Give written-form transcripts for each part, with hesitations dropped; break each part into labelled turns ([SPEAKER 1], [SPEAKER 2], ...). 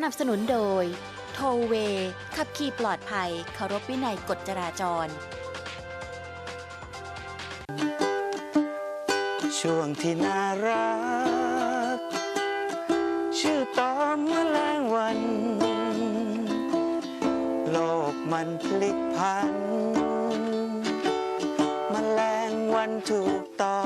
[SPEAKER 1] นับสนุนโดยโทเวขับขี่ปลอดภัยเคารพวินัยกฎจราจร
[SPEAKER 2] ช่วงที่น่ารักชื่อตอนแมลงวัน โลกมันพลิกผันแมลงวันถูกต้อง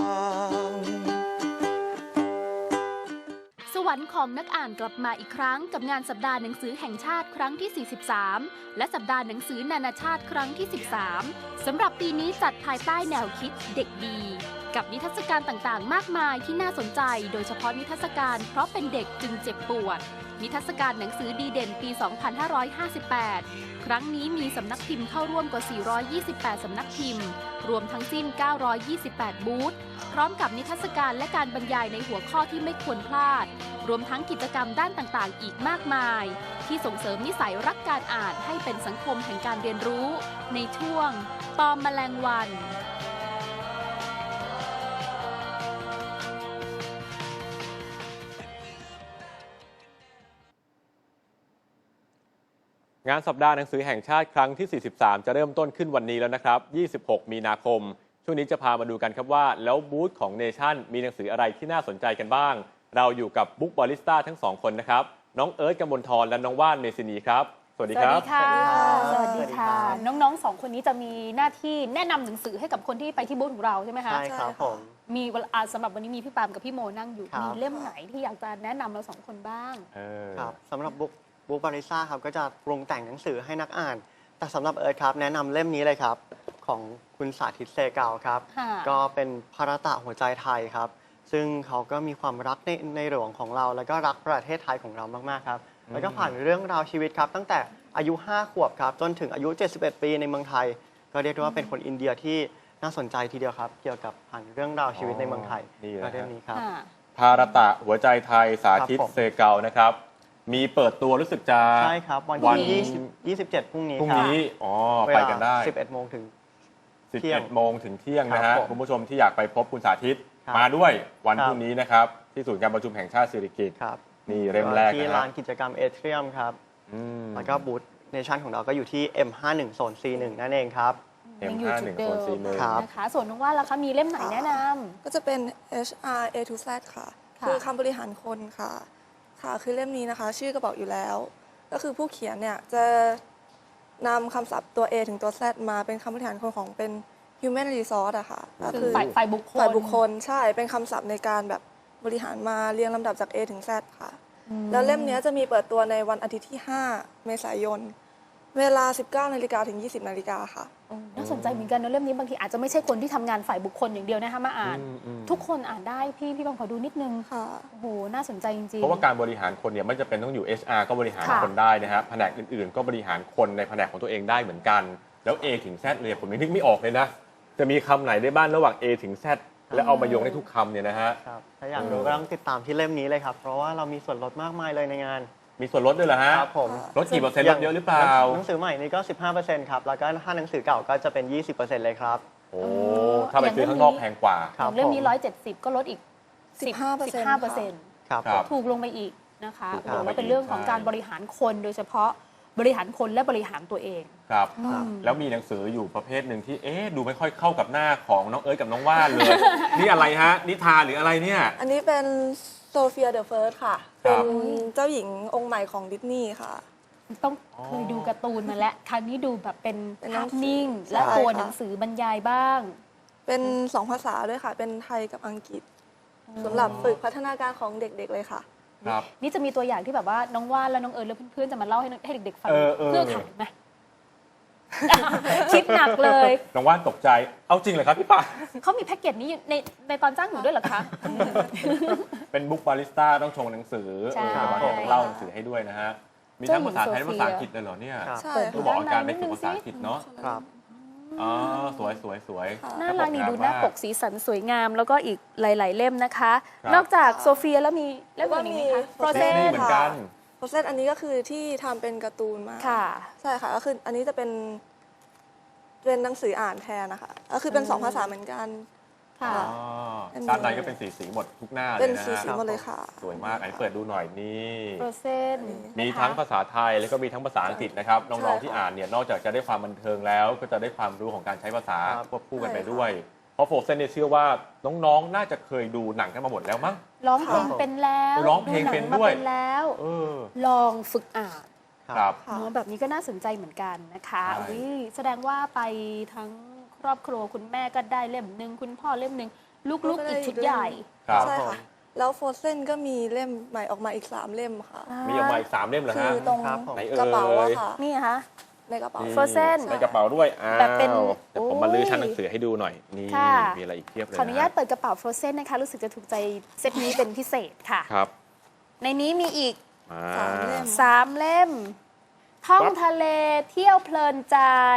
[SPEAKER 3] สวรรค์ของนักอ่านกลับมาอีกครั้งกับงานสัปดาห์หนังสือแห่งชาติครั้งที่ 43 และสัปดาห์หนังสือนานาชาติครั้งที่ 13 สำหรับปีนี้จัดภายใต้แนวคิดเด็กดีกับนิทรรศการต่างๆมากมายที่น่าสนใจโดยเฉพาะนิทรรศการเพราะเป็นเด็กจึงเจ็บปวดนิทรรศการหนังสือดีเด่นปี 2558 ครั้งนี้มีสำนักพิมพ์เข้าร่วมกว่า 428 สำนักพิมพ์รวมทั้งสิ้น 928 บูธพร้อมกับนิทรรศการและการบรรยายในหัวข้อที่ไม่ควรพลาดรวมทั้งกิจกรรมด้านต่างๆอีกมากมายที่ส่งเสริมนิสัยรักการอ่านให้เป็นสังคมแห่งการเรียนรู้ในช่วงตอมแมลงวัน
[SPEAKER 4] งานสัปดาห์หนังสือแห่งชาติครั้งที่ 43 จะเริ่มต้นขึ้นวันนี้แล้วนะครับ 26 มีนาคม ช่วงนี้จะพามาดูกันครับว่าแล้วบูธของเนชั่นมีหนังสืออะไรที่น่าสนใจกันบ้าง เราอยู่กับบุ๊กบาริสต้าทั้งสองคนนะครับ น้องเอิร์ธกมลธรและน้องว่านเมซินีครับ สวัสดีครับ
[SPEAKER 3] สวัสดีค่ะสวัสดีค่ะน้องๆสองคนนี้จะมีหน้าที่แนะนำหนังสือให้กับคนที่ไปที่บูธของเราใช่ไหมคะ
[SPEAKER 5] ใช่ครับผม
[SPEAKER 3] มีสำหรับวันนี้มีพี่ปามกับพี่โมนั่งอยู่มีเล่มไหนที่อยากจะแนะนำเราสองคนบ้าง
[SPEAKER 5] ครับสำหรับบุ๊กบาริซ่าครับก็จะปรุงแต่งหนังสือให้นักอ่านแต่สำหรับเอิร์ธครับแนะนำเล่มนี้เลยครับของคุณสาธิตเซเกาครับก็เป็นภารตะหัวใจไทยครับซึ่งเขาก็มีความรักในหลวงของเราแล้วก็รักประเทศไทยของเรามากๆครับแล้วก็ผ่านเรื่องราวชีวิตครับตั้งแต่อายุ 5 ขวบครับจนถึงอายุ 71 ปีในเมืองไทยก็เรียกได้ว่าเป็นคนอินเดียที่น่าสนใจทีเดียวครับเกี่ยวกับผ่านเรื่องราวชีวิตในเมืองไทยเรื่องนี้ครับ
[SPEAKER 4] ภารตะหัวใจไทยสาธิตเซเกานะครับมีเปิดตัวรู้สึกจะ
[SPEAKER 5] ใช่ครับวันที่27พรุ่งนี้
[SPEAKER 4] อ๋อไปกันได้
[SPEAKER 5] 11 โมงถึง
[SPEAKER 4] 11 โมงถึงเที่ยงนะฮะคุณผู้ชมที่อยากไปพบคุณสาธิตมาด้วยวันพรุ่งนี้นะครับที่ศูนย์การประชุมแห่งชาติสิริกิติ์นี่เล่มแรก
[SPEAKER 5] ที่ลานกิจกรรมเอเทรียมครับแล้วก็บูธเนชั่นของเราก็อยู่ที่ M51 โซน C1 นั่นเองครับ
[SPEAKER 4] M51 โซน C1
[SPEAKER 3] นะคะส่วนน้องว่านล่ะคะมีเล่มไหนแนะนำ
[SPEAKER 6] ก็จะเป็น HR A to Z ค่ะคือคำบริหารคนค่ะคือเล่มนี้นะคะชื่อก็บอกอยู่แล้วก็คือผู้เขียนเนี่ยจะนำคำศัพท์ตัว A ถึงตัว Z มาเป็นคำบริหารคนของเป็น Human Resource อะค่ะ
[SPEAKER 3] ก็คือฝ่ายบุคคล
[SPEAKER 6] ใช่เป็นคำศัพท์ในการแบบบริหารมาเรียงลำดับจาก A ถึง Z ค่ะแล้วเล่มนี้จะมีเปิดตัวในวันอาทิตย์ที่ 5 เมษายนเวลา 19 นาฬิกาถึง 20 นาฬิกาค่ะ
[SPEAKER 3] น่าสนใจเหมือนกันนะเล่มนี้บางทีอาจจะไม่ใช่คนที่ทำงานฝ่ายบุคคลอย่างเดียวนะคะมาอ่านทุกคนอ่านได้พี่บางขอดูนิดนึง
[SPEAKER 6] ค่ะ
[SPEAKER 3] โอ้โหน่าสนใจจริงๆ
[SPEAKER 4] เพราะว่าการบริหารคนเนี่ยไม่จำเป็นต้องอยู่ HR ก็บริหารคนได้นะฮะแผนกอื่นๆก็บริหารคนในแผนกของตัวเองได้เหมือนกันแล้ว A ถึง Z เลยผมนึกไม่ออกเลยนะจะมีคำไหนได้บ้างระหว่าง A ถึง Z แล้วเอามาโยงได้ทุกคำเนี่ยนะฮะ
[SPEAKER 5] ครับถ้าอยากรู้ก็ต้องติดตามที่เล่มนี้เลยครับเพราะว่าเรามีส่วนลดมากมายเลยในงาน
[SPEAKER 4] มีส่วนลดด้วยเหรอฮะ
[SPEAKER 5] ครับผม
[SPEAKER 4] ลดกี่เปอร์เซ็นต์ลดเยอะหรือเปล่า
[SPEAKER 5] หนังสือใหม่นี่ก็ 15% ครับแล้วก็ถ้าหนังสือเก่าก็จะเป็น 20% เลยครับ
[SPEAKER 4] โอ้ถ้าไปซื้อข้างนอกแพงกว่า
[SPEAKER 3] เล่มนี้170ก็ลดอีก 15%
[SPEAKER 5] ครับ
[SPEAKER 3] ถูกลงไปอีกนะคะแล้วเป็นเรื่องของการบริหารคนโดยเฉพาะบริหารคนและบริหารตัวเอง
[SPEAKER 4] ครับแล้วมีหนังสืออยู่ประเภทหนึ่งที่ดูไม่ค่อยเข้ากับหน้าของน้องเอิร์ธกับน้องว่านเลย นี่อะไรฮะนิทานหรืออะไรเนี่ย
[SPEAKER 6] อันนี้เป็นโซเฟียเดอะเฟิร์สค่ะเป็นเจ้าหญิงองค์ใหม่ของดิสนีย์ค่ะ
[SPEAKER 3] ต้องเคยดูการ์ตูนมาแล้วครั้งนี้ดูแบบเป็นภาพนิ่งและตัวหนังสือบรรยายบ้าง
[SPEAKER 6] เป็น2 ภาษาด้วยค่ะเป็นไทยกับอังกฤษสำหรับฝึกพัฒนาการของเด็กๆเลยค่ะ
[SPEAKER 3] นี่จะมีตัวอย่างที่แบบว่าน้องว่านและน้องเอิร์ธและเพื่อนๆจะมาเล่าให้เด็กๆฟังเพื่อขายไหมคิดหนักเลย
[SPEAKER 4] น้องว่านตกใจเอาจริงเหรอครับพี่ปา
[SPEAKER 3] เขามีแพ็กเกจนี้ในตอนจ้างหนูด้วยเหรอคะ
[SPEAKER 4] เป็นบุ๊กบาริสต้าต้องชงหนังสือต้องเล่าหนังสือให้ด้วยนะฮะมีทั้งภาษาไทยและภาษาอังกฤษเลยเหรอเนี่ยต้องบอกอาการเป็นภาษาอังกฤษเนาะอ๋อสวย
[SPEAKER 3] น่ารักนี่ดูหน้าปกสีสันสวยงามแล้วก็อีกหลายๆเล่มนะคะนอกจากโซเฟียแล้วมีเล่มอื่นอีกไหมคะ
[SPEAKER 4] โปรเซสเหมือนกัน
[SPEAKER 6] โปรเซสอันนี้ก็คือที่ทำเป็นการ์ตูนมาใช่ค่ะก็คืออันนี้จะเป็นหนังสืออ่านแทนนะคะก็คือเป็น2 ภาษาเหมือนกัน
[SPEAKER 3] ค่ะ
[SPEAKER 4] อ๋อด้านในก็เป็นสีหมดทุกหน้าเลย
[SPEAKER 6] เป็น
[SPEAKER 4] นะ
[SPEAKER 6] สี
[SPEAKER 4] ฮะ
[SPEAKER 6] หมดเลยค่ะ
[SPEAKER 4] สวยมากอันนี้เปิดดูหน่อยนี่
[SPEAKER 3] โปรเซน
[SPEAKER 4] มีทั้งภาษาไทยแล้วก็มีทั้งภาษาอังกฤษนะครับน้องๆที่อ่านเนี่ยนอกจากจะได้ความบันเทิงแล้ว ก็จะได้ความรู้ของการใช้ภาษา
[SPEAKER 5] ครับ
[SPEAKER 4] ควบคู่กันไปด้วย เพราะโฟร์เซนเนี่ยเชื่อว่าน้องๆน่าจะเคยดูหนังกันมาหมดแล้วมั้ง
[SPEAKER 3] ร้องเพลงเป็นแล้ว
[SPEAKER 4] ร้องเพลงเป็นด้วย
[SPEAKER 3] หงมาเป็นแล้ว
[SPEAKER 4] เออ
[SPEAKER 3] ลองฝึกอ่าน
[SPEAKER 4] ครับ
[SPEAKER 6] ค่ะ
[SPEAKER 3] เนอะแบบนี้ก็น่าสนใจเหมือนกันนะคะ
[SPEAKER 4] ใช่
[SPEAKER 3] อุ๊ยแสดงว่าไปทั้งครอบครัวคุณแม่ก็ได้เล่มหนึ่งคุณพ่อเล่มหนึ่งลูกๆอีกชุดใหญ่
[SPEAKER 4] ครับ
[SPEAKER 6] ใช่ค่ะ แล้วโฟร์เซนก็มีเล่มใหม่ออกมาอีก 3 เล่มค่ะ
[SPEAKER 4] มีออกมาอีก3เล่มเหรอ
[SPEAKER 6] คื
[SPEAKER 4] ฮะ
[SPEAKER 6] อตรง
[SPEAKER 5] ครับผม
[SPEAKER 4] ไหนเอ่ย
[SPEAKER 6] กระเป๋าอะค่ะ
[SPEAKER 3] นี่คะ
[SPEAKER 6] ในกระเป๋า
[SPEAKER 4] นี่
[SPEAKER 3] Frozen
[SPEAKER 4] ในกระเป๋าด้วยอ้าว
[SPEAKER 3] แบบเป็น
[SPEAKER 4] เดี๋ยวผมมาลื้อชั้นหนังสือให้ดูหน่อยนี่
[SPEAKER 3] ค่ะ
[SPEAKER 4] มีอะไรอีกเพียบเลย
[SPEAKER 3] ขออนุญาตเปิดกระเป๋า Frozen นะคะ รู้สึกจะถูกใจเซตนี้เป็นพิเศษค่ะ
[SPEAKER 4] ครับ
[SPEAKER 3] ในนี้มีอีก
[SPEAKER 4] อ่า
[SPEAKER 6] 3 เล่ม
[SPEAKER 3] 3 เล่ม ท่องทะเลเที่ยวเพลินใจ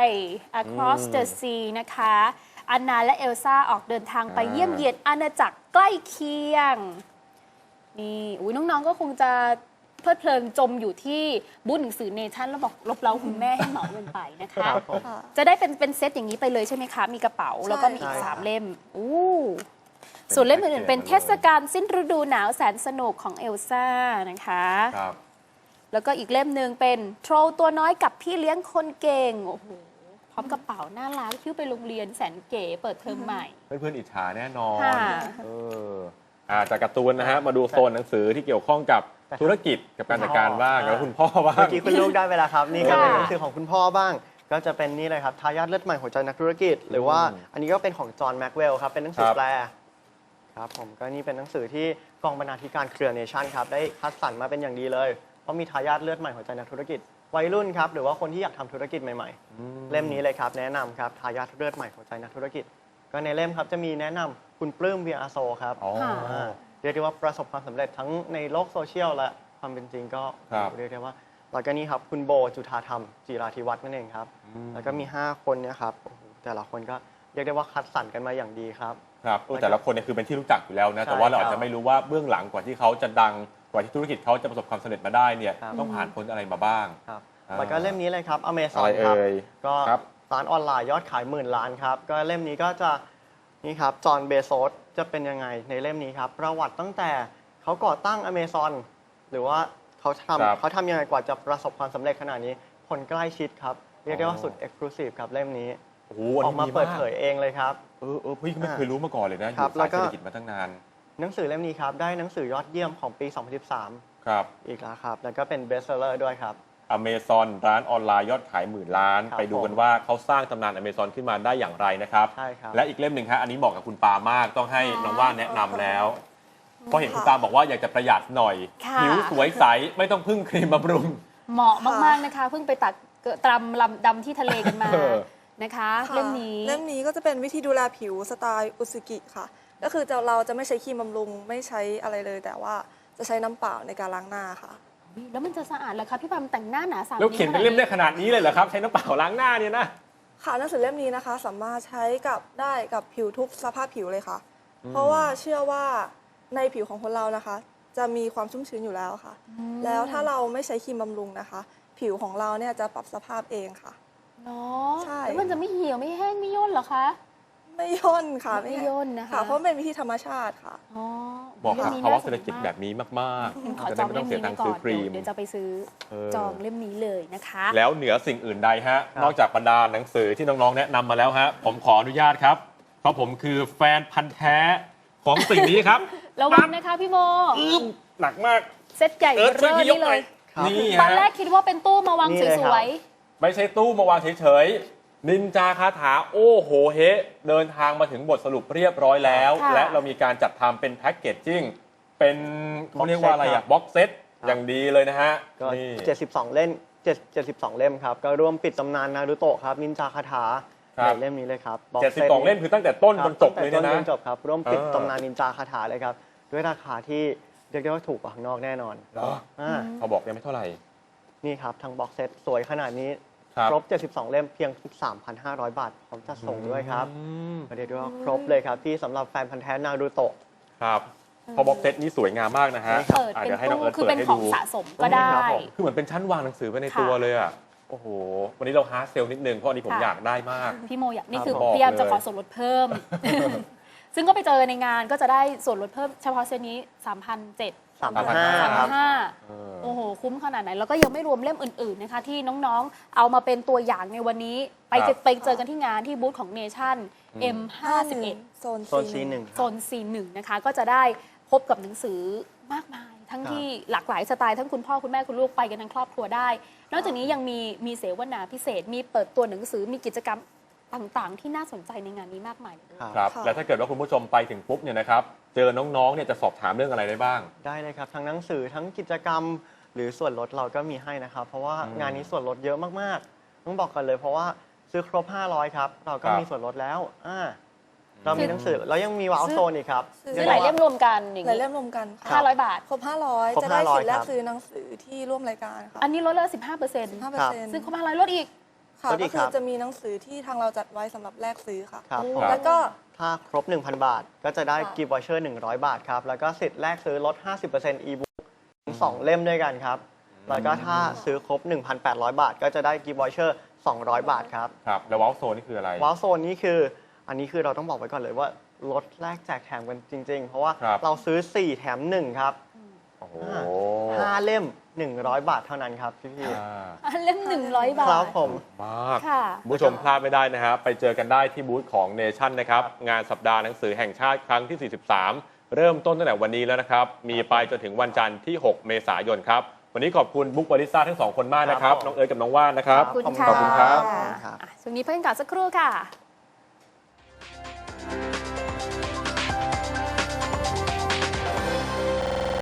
[SPEAKER 3] Across the Sea นะคะอันนาและเอลซ่าออกเดินทางไปเยี่ยมเยียนอาณาจักรใกล้เคียง นี่อุ้ยน้องๆก็คงจะเพลิดเพลินจมอยู่ที่บูธหนังสือเนชั่นแล้วบอกลบเล้าคุณแม่ให้เหมาเงินไปนะคะ
[SPEAKER 5] ครับผม
[SPEAKER 6] ค่ะ
[SPEAKER 3] จะได้เป็นเซตอย่างนี้ไปเลยใช่ไหมคะ มีกระเป๋าแล้วก็มีอีก
[SPEAKER 5] ใช่ครับ
[SPEAKER 3] 3 เล่มอู้ส่วนเล่มอื่นๆเป็นเทศกาลสิ้นฤดูหนาวแสนสนุกของเอลซ่านะคะ
[SPEAKER 4] ครับ
[SPEAKER 3] แล้วก็อีกเล่มหนึ่งเป็นโทรตัวน้อยกับพี่เลี้ยงคนเก่ง โอ้โห พร้อมกระเป๋าน่ารักชื่อไปโรงเรียนแสนเก๋เปิดเทอมใหม่
[SPEAKER 4] เพื่อนๆอิจฉาแน่นอน
[SPEAKER 3] ค่ะ
[SPEAKER 4] เออจากการ์ตูนนะฮะมาดูโซนหนังสือที่เกี่ยวข้องกับธุรกิจกับการจัดการบ้างแล้วคุณพ่อบ้าง
[SPEAKER 5] เมื่อกี้คุณลูกได้ไปแล้วครับ นี่ก็เป็น
[SPEAKER 3] ค่ะ
[SPEAKER 5] หนังสือของคุณพ่อบ้าง ก็จะเป็นนี่เลยครับทายาทเลือดใหม่หัวใจนักธุรกิจ หรือว่าอันนี้ก็เป็นของจอห์นแม็กเวลครับเป็นหนังสือ
[SPEAKER 4] ครับ
[SPEAKER 5] แปลครับผมก็นี่เป็นหนังสือที่กองบรรณาธิการเครือเนชั่นครับได้คัดสรรมาเป็นอย่างดีเลยเพราะมีทายาทเลือดใหม่หัวใจนักธุรกิจวัยรุ่นครับหรือว่าคนที่อยากทำธุรกิจใหม่ๆ เล่มนี้เลยครับแนะนำครับทายาทเลือดใหม่หัวใจนักธุรกิจ ก็ในเล่มครับจะมีแนะนำคุณปลื้มเวียอาโซครับ
[SPEAKER 4] อ๋อ
[SPEAKER 5] เรียกได้ว่าประสบความสำเร็จทั้งในโลกโซเชียลและความเป็นจริงก็
[SPEAKER 4] ครับ
[SPEAKER 5] เรียกได้ว่าแล้วก็นี่ครับคุณโบจุธาธรรมจิราธิวัฒน์นั่นเองครับแล้วก็มี 5 คนเนี่ยครับโอ้โหแต่ละคนก็เรียกได้ว่าคัดสรรกันมาอย่างดีครับ
[SPEAKER 4] ครับแต่ละคนเนี่ยคือเป็นที่รู้จักอยู่แล้วนะ
[SPEAKER 5] ใช่
[SPEAKER 4] แต่ว่าเราอาจ
[SPEAKER 5] ครั
[SPEAKER 4] จะ
[SPEAKER 5] บ
[SPEAKER 4] ไม่รู้ว่าเบื้องหลังกว่าที่เขาจะดังกว่าที่ธุรกิจเขาจะประสบความสำเร็จมาได้เนี่ย
[SPEAKER 5] ครับ
[SPEAKER 4] ต้องผ่านพ้นอะไรมาบ้าง
[SPEAKER 5] ครับ
[SPEAKER 4] อ่า
[SPEAKER 5] แล้วก็เล่มนี้เลยครับอเมซ
[SPEAKER 4] อะ
[SPEAKER 5] อ
[SPEAKER 4] ไร
[SPEAKER 5] นครับ
[SPEAKER 4] เอ่ย
[SPEAKER 5] ก็
[SPEAKER 4] ครับ
[SPEAKER 5] ร้านออนไลน์ยอดขาย10,000 ล้านครับก็เล่มนี้ก็จะนี่ครับจอห์นเบโซสจะเป็นยังไงในเล่มนี้ครับประวัติตั้งแต่เขาก่อตั้งอเมซอนหรือว่าเขา
[SPEAKER 4] ครับ
[SPEAKER 5] เขาทำยังไงกว่าจะประสบความสำเร็จขนาดนี้คนใกล้ชิดครับเรียกได้ว่าสุดเอ็กซ์คลูซีฟครับเล่มนี้
[SPEAKER 4] โอ้โห
[SPEAKER 5] ออกมาเปิดเผยเองเลยครับ
[SPEAKER 4] พี่ก็ไม่เคยรู้มาก่อนเลยนะอ
[SPEAKER 5] ครับ
[SPEAKER 4] ยู่
[SPEAKER 5] แล้
[SPEAKER 4] สายว
[SPEAKER 5] ก็
[SPEAKER 4] เศรษฐกิจมาตั้งนาน
[SPEAKER 5] หนังสือเล่มนี้ครับได้หนังสือยอดเยี่ยมของปี 2013
[SPEAKER 4] ครับ
[SPEAKER 5] อีกแล้วครับแล้วก็เป็นเบสเซอร์ด้วยครับ
[SPEAKER 4] อเมซอนร้านออนไลน์ยอดขาย10,000 ล้าน
[SPEAKER 5] ครับ
[SPEAKER 4] ไปดูกันว่าเขาสร้างตำนานอเมซอนขึ้นมาได้อย่างไรนะครับ
[SPEAKER 5] ใช่ครับ
[SPEAKER 4] และอีกเล่มหนึ่งครับอันนี้เหมาะกับคุณปามากต้องให้น้องว่านแนะนำแล้วเพราะเห็นคุณปาบอกว่าอยากจะประหยัดหน่อย
[SPEAKER 3] ค่ะ
[SPEAKER 4] ผิวสวยใสไม่ต้องพึ่งครีมบำรุง
[SPEAKER 3] เหมาะมากๆนะคะ เพิ่งไปตัดตรำลำดำที่ทะเลกันมา
[SPEAKER 4] เออ
[SPEAKER 3] นะคะ
[SPEAKER 6] ค่ะ
[SPEAKER 3] เล่มนี้
[SPEAKER 6] เล่มนี้ก็จะเป็นวิธีดูแลผิวสไตล์อุซึกิค่ะ ก็คือเราจะไม่ใช้ครีมบำรุงไม่ใช้อะไรเลย แต่ว่าจะใช้น้ำเปล่าในการล้างหน้าค่ะ
[SPEAKER 3] แล้วมันจะสะอาดเหรอคะพี่ปามแต่งหน้าหนาสาม
[SPEAKER 4] แล้วเขียนเป็นเล่มได้ขนาดนี้เลยเหรอครับใช้น้ำเปล่าล้างหน้าเนี่ยนะ
[SPEAKER 6] ค่ะหนังสือเล่มนี้นะคะ สามารถใช้กับได้กับผิวทุกสภาพผิวเลยค่ะ เพราะว่าเชื่อว่าในผิวของคนเรานะคะ จะมีความชุ่มชื้นอยู่แล้วค่ะ แล้วถ้าเราไม่ใช้ครีมบำรุงนะคะ ผิวของเราเนี่ยจะปรับสภาพเองค่ะ
[SPEAKER 3] เนาะ
[SPEAKER 6] ใช่
[SPEAKER 3] แล้วมันจะไม่เหี่ยวไม่แห้งไม่ย่นเหรอคะ
[SPEAKER 6] ไม่ย่นค่ะ
[SPEAKER 3] ไม่ย่นนะคะ
[SPEAKER 6] ค่ะ เพราะมันเป็นวิธีธรรมชาติค่ะ
[SPEAKER 3] อ๋อ
[SPEAKER 4] บอกกับ
[SPEAKER 3] ล่มนี้
[SPEAKER 4] ภาวะ
[SPEAKER 3] น่สน
[SPEAKER 4] เศรษฐกิจแบบนี้มาก
[SPEAKER 3] ขอ
[SPEAKER 4] ๆ จะ
[SPEAKER 3] จ
[SPEAKER 4] ได้
[SPEAKER 3] อง
[SPEAKER 4] ไม่
[SPEAKER 3] เล่
[SPEAKER 4] ต้อ
[SPEAKER 3] ม
[SPEAKER 4] งเสี
[SPEAKER 3] นี้
[SPEAKER 4] ยตัง
[SPEAKER 3] ไว้
[SPEAKER 4] ค์
[SPEAKER 3] ก่
[SPEAKER 4] ซื้
[SPEAKER 3] อ
[SPEAKER 4] อน ครีม
[SPEAKER 3] เดี๋ยวจะไปซื้อ จองเล่มนี้เลยนะคะ
[SPEAKER 4] แล้วเหนือสิ่งอื่นใดฮะ
[SPEAKER 5] ครับ
[SPEAKER 4] นอกจากบรรดาหนังสือที่น้องๆแนะนำมาแล้วฮะผมขออนุญาตครับ เพราะผมคือแฟนพันธ์แท้ของสิ่งนี้ครับ
[SPEAKER 3] ระวังนะคะพี่โม
[SPEAKER 4] หนักมาก
[SPEAKER 3] เซตใหญ่
[SPEAKER 4] ช่วย
[SPEAKER 3] เบอร์
[SPEAKER 4] พี่ยก
[SPEAKER 3] นี่
[SPEAKER 4] ห
[SPEAKER 3] เล
[SPEAKER 4] น่อย
[SPEAKER 3] ย
[SPEAKER 5] ครับ
[SPEAKER 4] นี่
[SPEAKER 3] ตอน
[SPEAKER 4] ฮะ
[SPEAKER 3] แรกคิดว่าเป็นตู้มาวาง
[SPEAKER 5] นี่เลย
[SPEAKER 3] ส
[SPEAKER 5] ครับ
[SPEAKER 3] วย
[SPEAKER 4] ไม่ใช่ตู้มาวางเฉยๆนินจาคาถาโอ้โหเฮเดินทางมาถึงบทสรุปเรียบร้อยแล้ว และเรามีการจัดทำเป็นแพ็กเกจจิ้งเป็นเขาเรียกว่าอะไรอะบ็อกเซตอย่างดีเลยนะฮะ
[SPEAKER 5] ก็
[SPEAKER 4] นี่
[SPEAKER 5] 72 เล่ม72 เล่มครับ ก็ร่วมปิดตำนานนารูโตะครับ นินจาคาถา
[SPEAKER 4] ครับ
[SPEAKER 5] ในเล่มนี้เลยครับ box
[SPEAKER 4] 72 เล่มคือตั้งแต่ต้น
[SPEAKER 5] ค
[SPEAKER 4] จ
[SPEAKER 5] รับ
[SPEAKER 4] นจบเลย
[SPEAKER 5] ตั้
[SPEAKER 4] เนี่ย
[SPEAKER 5] งแต่ต้น
[SPEAKER 4] นะ
[SPEAKER 5] จนจบครับ ร่วมปิด
[SPEAKER 4] เออ
[SPEAKER 5] ตำนานนินจาคาถาเลยครับ ด้วยราคาที่เรียกได้ว่าถูกกว่าข้างนอกแน่นอน
[SPEAKER 4] เหรอ เขาบอกยังไม่เท่าไหร่
[SPEAKER 5] นี่ครับทั้งบ็อกเซตสวยขนาดนี้
[SPEAKER 4] ครับ
[SPEAKER 5] ครบ 72 เล่มเพียง 3,500 บาทพร้อมจัดส่งด้วยครับ
[SPEAKER 4] อืม
[SPEAKER 5] เรียกได้ว่าครบเลยครับที่สำหรับแฟนพันธ์แท้นารูโตะ
[SPEAKER 4] ครับพอบ็อกเซตนี้สวยงามมากนะฮะ
[SPEAKER 3] ๆเปิด
[SPEAKER 4] อ่ะ
[SPEAKER 3] เป็น
[SPEAKER 4] เดี๋ยวให้น้อง
[SPEAKER 3] ตู้
[SPEAKER 4] เอิร์ธ
[SPEAKER 3] คือ
[SPEAKER 4] เปิ
[SPEAKER 3] เป็
[SPEAKER 4] ด
[SPEAKER 3] น
[SPEAKER 4] ให้
[SPEAKER 3] ของ
[SPEAKER 4] ดู
[SPEAKER 3] สะสมก็ได้
[SPEAKER 5] ครับผม
[SPEAKER 4] คือเหมือนเป็นชั้นวางหนังสือไปใน
[SPEAKER 3] ค่ะ
[SPEAKER 4] ตัวเลยอ่ะ โอ้โห วันนี้เราฮาร์ดเซลนิดนึง เพราะอันนี้ผม
[SPEAKER 3] ค่ะ
[SPEAKER 4] อยากได้มาก
[SPEAKER 3] พี่โมอยากนี่คือ
[SPEAKER 4] บอก
[SPEAKER 3] พยายามจะ
[SPEAKER 4] เลย
[SPEAKER 3] ขอส่วนลดเพิ่มซึ่งก็ไปเจอในงานก็จะได้ส่วนลดเพิ่มเฉพาะเซตนี้ 3,700
[SPEAKER 5] 3,500 ครับ
[SPEAKER 3] 3,500โอ้โหคุ้มขนาดไหนแล้วก็ยังไม่รวมเล่มอื่นๆนะคะที่น้องๆเอามาเป็นตัวอย่างในวันนี้ไปเจอกันที่งานที่บูธของเนชั่น M51
[SPEAKER 6] โซน
[SPEAKER 5] โซน C1
[SPEAKER 3] โซน C1 นะคะก็จะได้พบกับหนังสือมากมาย ทั้งที่หลากหลายสไตล์ทั้งคุณพ่อคุณแม่คุณลูกไปกันทั้งครอบครัวได้ นอกจากนี้ยังมีเสวนาพิเศษมีเปิดตัวหนังสือมีกิจกรรมต่างๆ ที่น่าสนใจในงานนี้มากมายเลยด้วย
[SPEAKER 4] ครับแล้วถ้าเกิดว่าคุณผู้ชมไปถึงปุ๊บเนี่ยนะครับเจอน้องๆเนี่ยจะสอบถามเรื่องอะไรได้บ้าง
[SPEAKER 5] ได้เลยครับทั้งหนังสือทั้งกิจกรรม หรือส่วนลดเราก็มีให้นะครับ เพราะว่างานนี้ส่วนลดเยอะมากๆต้องบอกกันเลย เพราะว่าซื้อครบ 500 ครับ เราก็
[SPEAKER 4] ครับ
[SPEAKER 5] มีส่วนลดแล้วเรามีหนังสือแล้วยังมีว้าวโซนอีกครับ
[SPEAKER 3] ซื้อหลายเล่มรวมกันอย่าง
[SPEAKER 6] หลาย
[SPEAKER 3] นี้
[SPEAKER 6] เล่มรวมกันค่ะ
[SPEAKER 3] 500 บาท
[SPEAKER 6] ครบ
[SPEAKER 5] คร
[SPEAKER 6] 500
[SPEAKER 5] บ
[SPEAKER 6] จะได้สิทธิ์
[SPEAKER 5] 500
[SPEAKER 6] แล
[SPEAKER 5] ค
[SPEAKER 6] ก
[SPEAKER 5] รับ
[SPEAKER 6] ซื้อหนังสือที่ร่วมรายการค่ะ
[SPEAKER 3] อันนี้ลดเลย15%
[SPEAKER 6] 15%
[SPEAKER 3] ซึ่งครบ500ลดอีก
[SPEAKER 6] ค่ะ
[SPEAKER 5] ลดอี
[SPEAKER 6] ก็
[SPEAKER 5] ก
[SPEAKER 6] คื
[SPEAKER 5] ครั
[SPEAKER 6] อบ จะมีหนังสือที่ทางเราจัดไว้สำหรับแลกซื้อค่ะ
[SPEAKER 5] ครับ
[SPEAKER 3] โอ้
[SPEAKER 5] ผม
[SPEAKER 6] แล้วก็
[SPEAKER 5] ถ้าครบ 1,000 บาท ก็จะได้
[SPEAKER 6] ค่ะ
[SPEAKER 5] กิฟต์วอเชอร์ 100 บาทครับ แล้วก็สิทธิ์แลกซื้อลด 50% e-book ถึง2 เล่มด้วยกันครับ แล้วก็ถ้าซื้อครบ 1,800 บาท ก็จะได้กิฟต์วอเชอร์ 200 บาทครับ
[SPEAKER 4] ครับแล้ววอลโซนนี่คืออะไร
[SPEAKER 5] ว้าวโซนนี้คืออันนี้คือเราต้องบอกไว้ก่อนเลยว่าลดแลกแจกแถมกันจริง ๆ เพราะว่า
[SPEAKER 4] ครับ
[SPEAKER 5] เราซื้อ 4 แถม 1 ครับ
[SPEAKER 4] โอ้โห
[SPEAKER 5] 5 เล่ม 100 บาทเท่านั้นครับพี่
[SPEAKER 4] อ่า
[SPEAKER 3] อันเล่ม100 บา
[SPEAKER 5] ๆ
[SPEAKER 3] ท
[SPEAKER 5] ครับผม
[SPEAKER 4] มาก
[SPEAKER 3] ค่ะ
[SPEAKER 4] คุณผู้ชมพลาดไม่ได้นะฮะไปเจอกันได้ที่บูธของเนชั่นนะครับงานสัปดาห์หนังสือแห่งชาติครั้งที่ 43 เริ่มต้นตั้งแต่วันนี้แล้วนะครับมีไปจนถึงวันจันทร์ที่ 6 เมษายนครับวันนี้ขอบคุณบุ๊กวาริซ่าทั้งสองคนมากนะครับ
[SPEAKER 5] ครับผม
[SPEAKER 4] น้องเอิร์ธกับน้องว่านนะครับ
[SPEAKER 3] ขอบคุณ
[SPEAKER 5] ขอบคุณครับ
[SPEAKER 3] ช่วงนี้เพิ่งกลับสักครู่ค่ะ